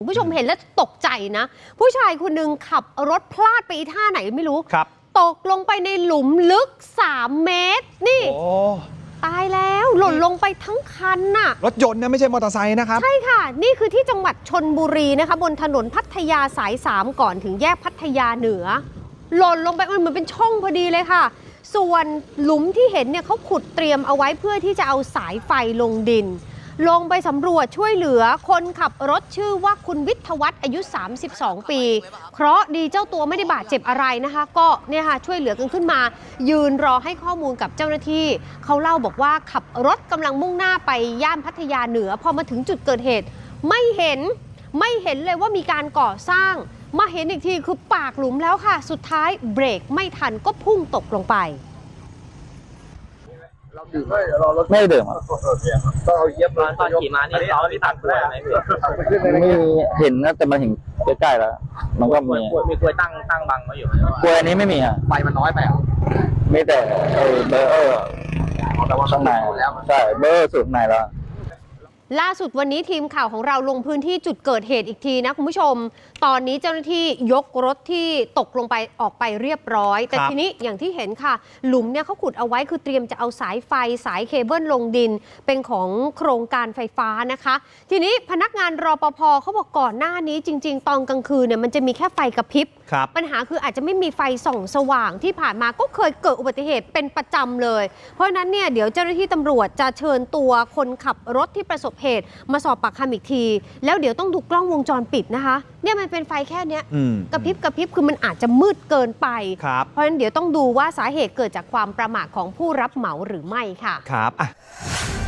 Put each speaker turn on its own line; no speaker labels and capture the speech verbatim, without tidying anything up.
คุณผู้ชมเห็นแล้วตกใจนะผู้ชายคนหนึ่งขับรถพลาดไปอีท่าไหนไม่รู้ครับตกลงไปในหลุมลึกสามเมตรนี่ตายแล้วหล่นลงไปทั้งคันน่ะ
รถยนต์นะไม่ใช่มอเตอร์ไซค์นะครับ
ใช่ค่ะนี่คือที่จังหวัดชลบุรีนะคะบนถนนพัทยาสายสามก่อนถึงแยกพัทยาเหนือหล่นลงไปมันเหมือนเป็นช่องพอดีเลยค่ะส่วนหลุมที่เห็นเนี่ยเขาขุดเตรียมเอาไว้เพื่อที่จะเอาสายไฟลงดินลงไปสำรวจช่วยเหลือคนขับรถชื่อว่าคุณวิทยวัฒน์อายุสามสิบสองปีเคราะห์ดีเจ้าตัวไม่ได้บาดเจ็บอะไรนะคะก็เนี่ยค่ะช่วยเหลือกันขึ้นมายืนรอให้ข้อมูลกับเจ้าหน้าที่เขาเล่าบอกว่าขับรถกำลังมุ่งหน้าไปย่านพัทยาเหนือพอมาถึงจุดเกิดเหตุไม่เห็นไม่เห็นเลยว่ามีการก่อสร้างมาเห็นอีกทีคือปากหลุมแล้วค่ะสุดท้ายเบรกไม่ทันก็พุ่งตกลงไป
เราดื่มไม่เราไม่ดื่มอ่ะต้องเอาเย็บร้านตอนขี่มานี่เราไม่ตัดกล้วยไหมพี่มีเห็นนะแต่มันเห็นใกล้ๆแล้วมันก็มีมีกล้วยตั้งตั้งบังไว้อยู่กล้วยอันนี้ไม่มีอ่ะไฟมันน้อยไปอ่ะไม่แต่เออเบอร์เออข้างในใช่เบอร์สุดในแล้ว
ล่าสุดวันนี้ทีมข่าวของเราลงพื้นที่จุดเกิดเหตุอีกทีนะคุณผู้ชมตอนนี้เจ้าหน้าที่ยกรถที่ตกลงไปออกไปเรียบร้อยแต่ทีนี้อย่างที่เห็นค่ะหลุมเนี่ยเขาขุดเอาไว้คือเตรียมจะเอาสายไฟสายเคเบิลลงดินเป็นของโครงการไฟฟ้านะคะทีนี้พนักงานรปภเขาบอกก่อนหน้านี้จริงๆตอนกลางคืนเนี่ยมันจะมีแค่ไฟกระพริบปัญหาคืออาจจะไม่มีไฟส่องสว่างที่ผ่านมาก็เคยเกิดอุบัติเหตุเป็นประจำเลยเพราะฉะนั้นเนี่ยเดี๋ยวเจ้าหน้าที่ตำรวจจะเชิญตัวคนขับรถที่ประสบเหตุมาสอบปากคำอีกทีแล้วเดี๋ยวต้องดูกล้องวงจรปิดนะคะเนี่ยมันเป็นไฟแค่เนี้ยกระพริบกระพริบคือมันอาจจะมืดเกินไปเพราะฉะนั้นเดี๋ยวต้องดูว่าสาเหตุเกิดจากความประมาทของผู้รับเหมาหรือไม่ค่ะ
ครับ